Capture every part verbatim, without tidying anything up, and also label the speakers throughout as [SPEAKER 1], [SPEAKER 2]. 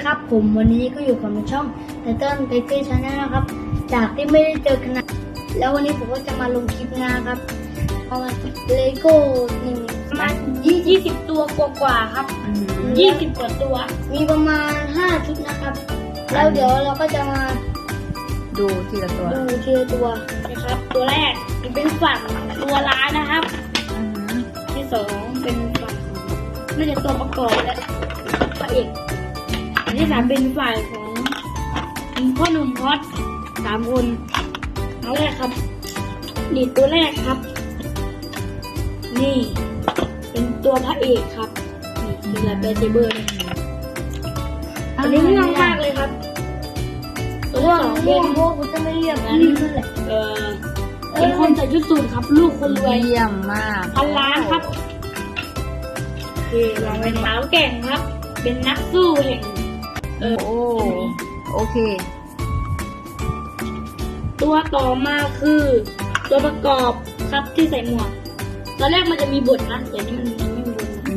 [SPEAKER 1] ครับผมวันนี้ก็อยู่กับช่องไตเติ้ลไตเติ้ลชาแนลนะครับจากที่ไม่ได้เจอกันนานแล้ววันนี้ผมก็จะมาลงคลิปนะครับเอาเลโก้หนึ่งประมาณยี่สิบตัวกว่าๆครับยี่สิบกว่าตัวมีประมาณห้าชุดนะครับแล้วเดี๋ยวเราก็จะมา
[SPEAKER 2] ดูทีละตัว
[SPEAKER 1] ดูทีละตัวนะครับตัวแรกเป็นฝั่งตัวร้ายนะครับที่สองเป็นฝั่งน่าจะตัวประกอบและพระเอกอันที่สามเป็นฝ่ายของพ่อหนุ่มพอดสามคนเอาแรกครับนี่ตัวแรกครับนี่เป็นตัวพระเอกครับนี่คือลาเบเจเบอร์อันนี้ง่ายมากเลยครับตัวที่สองเป็นพวกจะไม่เรียกนั้นเออเป็นคนใส่ชุดสูทครับลูกคนรวย
[SPEAKER 2] เยี่ยมมาก
[SPEAKER 1] พันล้านครับโอเคลองเป็นสาวแก่งครับเป็นนักสู้แห่ง
[SPEAKER 2] เออโอ้โอเค
[SPEAKER 1] ตัวต่อมาคือตัวประกอบครับที่ใส่หมวกตอนแรกมันจะมีบทนะแต่นี่มันยังไม่มีบทนะ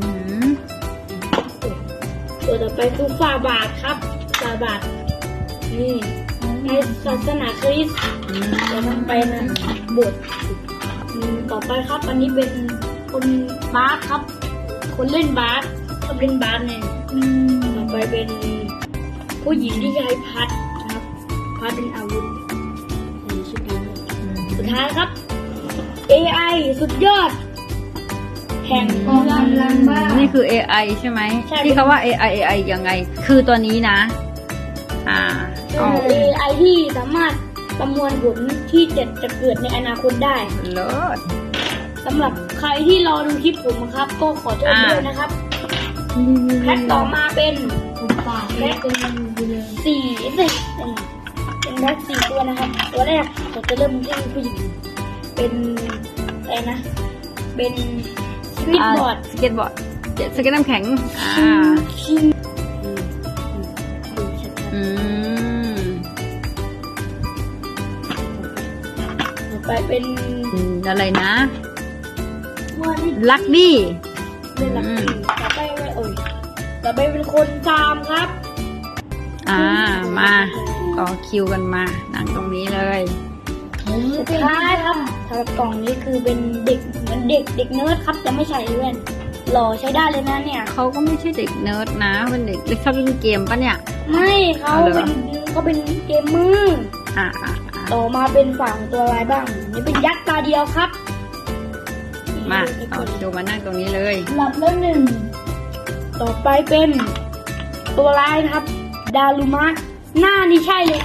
[SPEAKER 1] ตัวต่อไปคือฝ่าบาทครับฝ่าบาทนี่ในศาสนาคริสต์จะนำไปนะบทต่อไปครับอันนี้เป็นคนบาสครับคนเล่นบาสคนเล่นบาสเนี่ยต่อไปเป็นผู้หญิงที่ใช้พัดครับพัดเป็นอาวุธสุดท้ายสุดท้ายครับ เอ ไอ สุดยอดแห่งกองกำลังบ้า
[SPEAKER 2] นี่คือ เอ ไอ ใช่ไหมที่เขาว่า เอ ไอ เอ ไอ ยังไงคือตัวนี้นะอ่า
[SPEAKER 1] เอ ไอ ที่สามารถประมวลผลที่จะจะเกิดในอนาคตได้
[SPEAKER 2] เลิศ
[SPEAKER 1] สำหรับใครที่รอดูคลิปผมครับก็ขอโทษด้วยนะครับแพ็คต่อมาเป็นแพ็คสี่สิบเป็นแพ็คสี่ตัวนะครับตัวแรกเราจะเริ่มที่ผู้หญิงเป็นอะไรนะเป็นสเก็ตบอร์ด
[SPEAKER 2] สเก็ตบอร์ดสเก็ตน้ำแข็งอ่าอืม
[SPEAKER 1] ต่อไปเป็น
[SPEAKER 2] อะไรนะลักดี้
[SPEAKER 1] เป็นลักดี้ต่อไปไม่เอ่ยต่อไปเป็นคนฟาร์มครับ
[SPEAKER 2] อ่ามาต่อคิวกันมานั่งตรงนี้เลย
[SPEAKER 1] สุดท้ายครับสำหรับกล่องนี้คือเป็นเด็กเหมือนเด็กเด็กเนิร์ดครับจะไม่ใส่แว่นหล่อใช้ได้เลยนะเนี่ย
[SPEAKER 2] เขาก็ไม่ใช่เด็กเนิร์ดนะเป็นเด็กเล่นชอบเล่นเกมปะเนี่ย
[SPEAKER 1] ไม่เขาเป็นเขาเป็นเกมมือ
[SPEAKER 2] อ่า
[SPEAKER 1] ต่อมาเป็นฝั่งตัวลายบ้างนี่เป็นยักษ์ตาเดียวครับ
[SPEAKER 2] มาเอาคิวมานั่งตรงนี้เลย
[SPEAKER 1] หลับแล้วหนึ่งต่อไปเป็นตัวลายครับดารุมะหน้านี่ใช่เลย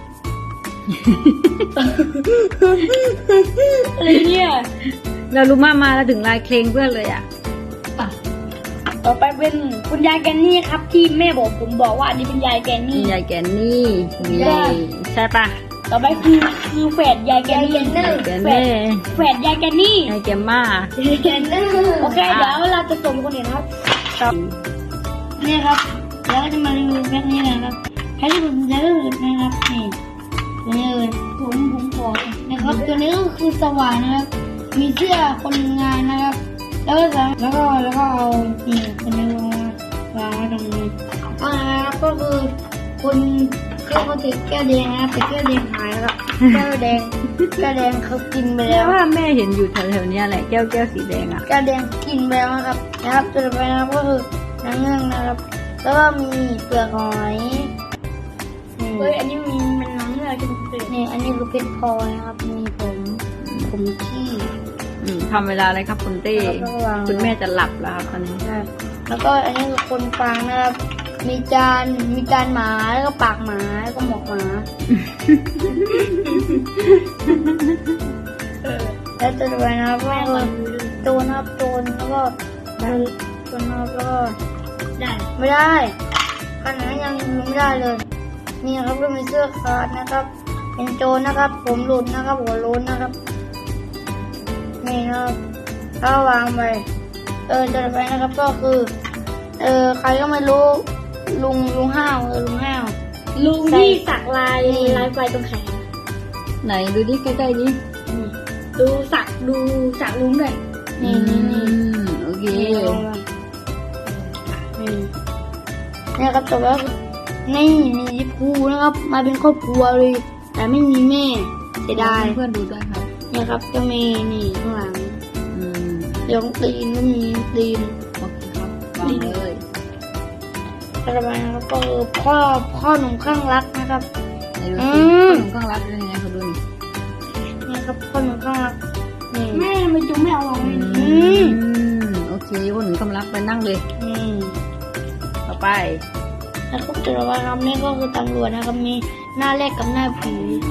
[SPEAKER 1] อะไรเนี่ย
[SPEAKER 2] เรารู้มามาแล้วถึงลายเคลงเพื่อนเลยอ่ะ
[SPEAKER 1] ต่อไปเป็นคุณยายแกนนี่ครับที่แม่บอกผมบอกว่าอันนี้เป็นยายแกนนี่
[SPEAKER 2] ยายแกนนี่ใช่ปะ
[SPEAKER 1] ต่อไปคือคือแฝดยายแกนนี่แฝดแฝดยายแกนนี่
[SPEAKER 2] ยายแกมมา
[SPEAKER 1] โอเคเดี๋ยวเราจะส่งคนอื่นครับนี่ครับแล้วก็จะมารีวิวแพ็คนี้นะครับแพ็คที่ผมจะเลือกนะครับนี่นี่เลยผมผมขอนะครับตัวนี้ก็คือสว่านนะครับมีเสื้อคนงานนะครับแล้วก็แล้วก็แล้วก็เอานี่คนนี้มาวางไว้ตรงนี้อ่าก็คือคนคือเขาถือแก้วแดงนะครับแต่แก้วแดงหายแล้วแก้วแดงแก้วแดงเขากินไปแล้ว
[SPEAKER 2] ว่าแม่เห็นอยู่แถวๆนี้แหละแก้วแก้วสีแดงอ่ะ
[SPEAKER 1] แก้วแดงกินไปแล้วนะครับนะครับต่อไปนะครับก็คือน้ำเงื่องนะครับแล้วก็มีเปลือกหอยเฮ้ยอันนี้มีมันน้ำเงื่อกินเปลือกนี่อันนี้คือเพชรพลอยนะครับมีผมผมขี้
[SPEAKER 2] ทำเวลาอะไรครับคุณเต้คุณแม่จะหลับแล้วครับตอนนี้
[SPEAKER 1] ใช่แล้วก็อันนี้คือคนฟังนะครับมีจานมีจานหมาแล้วก็ปากหมาแล้วก็หมวกหมาแล้วจะด้วยนะครับก็โจนครับโจนแล้วก็โจนครับแล้วก็ได้ไม่ได้ขนาดยังไม่ได้เลยนี่ครับก็มีเสื้อขาดนะครับเป็นโจรนะครับผมหลุดนะครับหัวโล้นนะครับนี่นะครับถ้าวางไปเออจะไปนะครับก็คือเออใครก็ไม่รู้ลุงลุงห้าวเออลุงห้าวลุงที่สักลายลายไฟตรงแขน
[SPEAKER 2] ไหนดูดิใกล้ๆนี้
[SPEAKER 1] ดูสักดูสักลุงด้วยนี่นี่นี่
[SPEAKER 2] โอเค
[SPEAKER 1] นี่ครับจบแล้วนี่มีภูนะครับ มาเป็นครอบครัวเลย แต่ไม่มีแม่เสียดาย
[SPEAKER 2] เพื่อนๆดูด้วยครับ
[SPEAKER 1] เนี่ยครับก็มีนี่ข้างหลัง
[SPEAKER 2] อืม
[SPEAKER 1] เดี๋ยวตีนก็มีตีน
[SPEAKER 2] โอเคครับวางเลย
[SPEAKER 1] อะไรไปนะครับก็คือพ่อพ่อหนุ่มข้างรักนะครับ
[SPEAKER 2] ไหนดู
[SPEAKER 1] อื
[SPEAKER 2] สิ
[SPEAKER 1] ม
[SPEAKER 2] ขนมข้างรักเป็นยังไงเขาดูนี่
[SPEAKER 1] เนี่ยครับพ่อหนุ่มข้างรักนี่แม่ไม่จุไม่เอาลอง
[SPEAKER 2] อื
[SPEAKER 1] นี่
[SPEAKER 2] มโอเคขนมข้างรักไปนั่งเลย
[SPEAKER 1] นี่
[SPEAKER 2] ต่อไป
[SPEAKER 1] แล้วก็จะระวังครับนี่ก็คือตำรวจนะครับมีหน้าแรกกับหน้าผี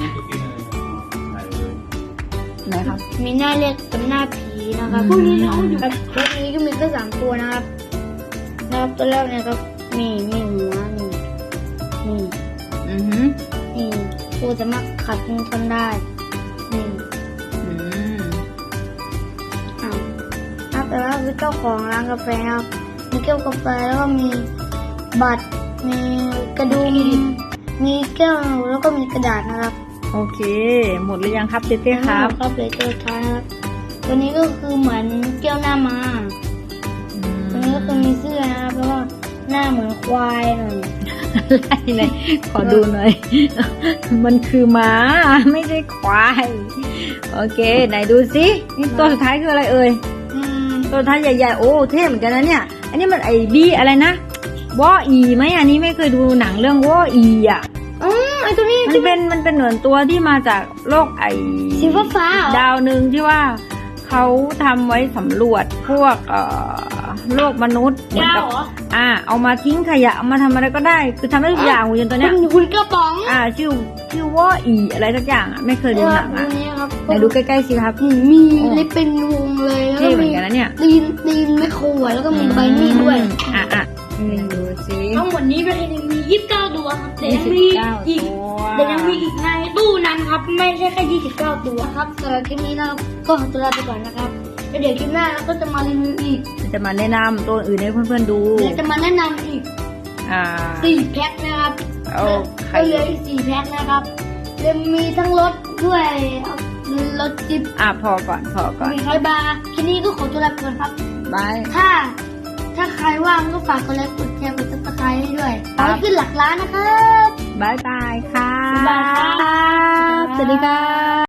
[SPEAKER 2] ไหนครับ
[SPEAKER 1] มีหน้าแรกกับหน้าผีนะครับ
[SPEAKER 2] พวกนี้น้องอยู่
[SPEAKER 1] ครับพวกนี้ก็มีแค่สามตัวนะครับนะครับตัวแรกเนี่ยครับนี่มีหัวนี่นี่
[SPEAKER 2] อือหือ
[SPEAKER 1] นี่ตัวสามารถขัดมือกันได้นี่
[SPEAKER 2] อืม
[SPEAKER 1] อ้าวครับแต่ว่าคือเจ้าของร้านกาแฟครับมีแก้วกาแฟแล้วก็มีบัตรมีกระดุมมีแก้วแล้วก็มีกระดาษนะครับ
[SPEAKER 2] โอเค หมดหรือยังครับเต้เต้ครับ
[SPEAKER 1] ครับเลยตัวท้ายนะครับตัวนี้ก็คือเหมือนแก้วหน้ามาตัวนี้ก็คือมีเสื้อนะครับเพราะว่าหน้าเหมือนควายหน่อย
[SPEAKER 2] อะไรเลย ขอดูหน่อย มันคือม้า ไม่ใช่ควาย โอเค ไหนดูสินี่ตัวสุดท้ายคืออะไรเอ่ย
[SPEAKER 1] อืม
[SPEAKER 2] ตัวสุดท้ายใหญ่ๆ โอ้ เท่เหมือนกันนะเนี่ย อันนี้มันไอ้บีอะไรนะวออีไหมอันนี้ไม่เคยดูหนังเรื่องวออีอ่ะ
[SPEAKER 1] อ๋อไอตัวนี้
[SPEAKER 2] มันเป็นมันเป็นเหมือนตัวที่มาจากโลกไอ้
[SPEAKER 1] สีฟ้าฟ้าๆเหรอ
[SPEAKER 2] ดาวหนึ่งที่ว่าเขาทำไว้สำรวจพวกเอ่อโลกมนุษย์เหมือน
[SPEAKER 1] ดาว
[SPEAKER 2] กับ
[SPEAKER 1] เหรอ
[SPEAKER 2] อ่า เอามาทิ้งขยะเอามาทำอะไรก็ได้ คือทำได้ทุกอย่างหุ่นยนต์ตัวเนี้ย
[SPEAKER 1] คุณคุณกระป๋อง
[SPEAKER 2] อ่า ชื่อชื่อว่าอีอะไรสักอย่างอ่ะไม่เคยดูหนังอ่ะ
[SPEAKER 1] ตัวนี้ครับ
[SPEAKER 2] ไหนดูใกล้ๆสิครับ
[SPEAKER 1] อืมมีเล็บเป็นวงเลยแล้ว
[SPEAKER 2] เท่
[SPEAKER 1] ก็
[SPEAKER 2] เหมือ
[SPEAKER 1] มี
[SPEAKER 2] นกันนะเนี่ย
[SPEAKER 1] ตีนตีนไม่โคอ่ะแล้วก็มีใบมีดด้วย
[SPEAKER 2] อ่ะอ่ะนี่ดูสิ
[SPEAKER 1] ทั้งหมดนี้ประเทศนี้มียี่สิบเก้าตัวครับแต่ยังมี
[SPEAKER 2] ยี่สิบเก้า
[SPEAKER 1] อีก
[SPEAKER 2] ตัว
[SPEAKER 1] แต่ยังมีอีกในตู้นั้นครับ ไม่ใช่แค่ยี่สิบเก้าตัวครับสำหรับคลิปนี้เราก็ขอตัวลาไปก่อนนะครับแล้วเดี๋ยวคลิปหน้าเราก็จะมารีวิวอีก
[SPEAKER 2] จะมาแนะนำตัวอื่นให้เพื่อนๆดู
[SPEAKER 1] เดี๋ยวจะมาแนะนำอีก
[SPEAKER 2] อ่า
[SPEAKER 1] สี่แพ็คนะครับ
[SPEAKER 2] โอเค
[SPEAKER 1] ก็เหลืออีกสี่แพ็คนะครับจะมีทั้งรถด้วยรถจิ๊บ
[SPEAKER 2] อ่ะพอก่อนพอก่อน
[SPEAKER 1] มีร้อยบาร์คลิปนี้ก็ขอตัวลาไปก่อนครับ
[SPEAKER 2] บาย
[SPEAKER 1] ถ้า ถ้าใครว่างก็ฝากกดไลค์กดแชร์กดซับสไครต์ให้ด้วยขอให้ขึ้นหลักล้านนะครับ
[SPEAKER 2] บายบายค่ะ
[SPEAKER 1] บ๊ายบายครับ
[SPEAKER 2] สวัสดีค่ะ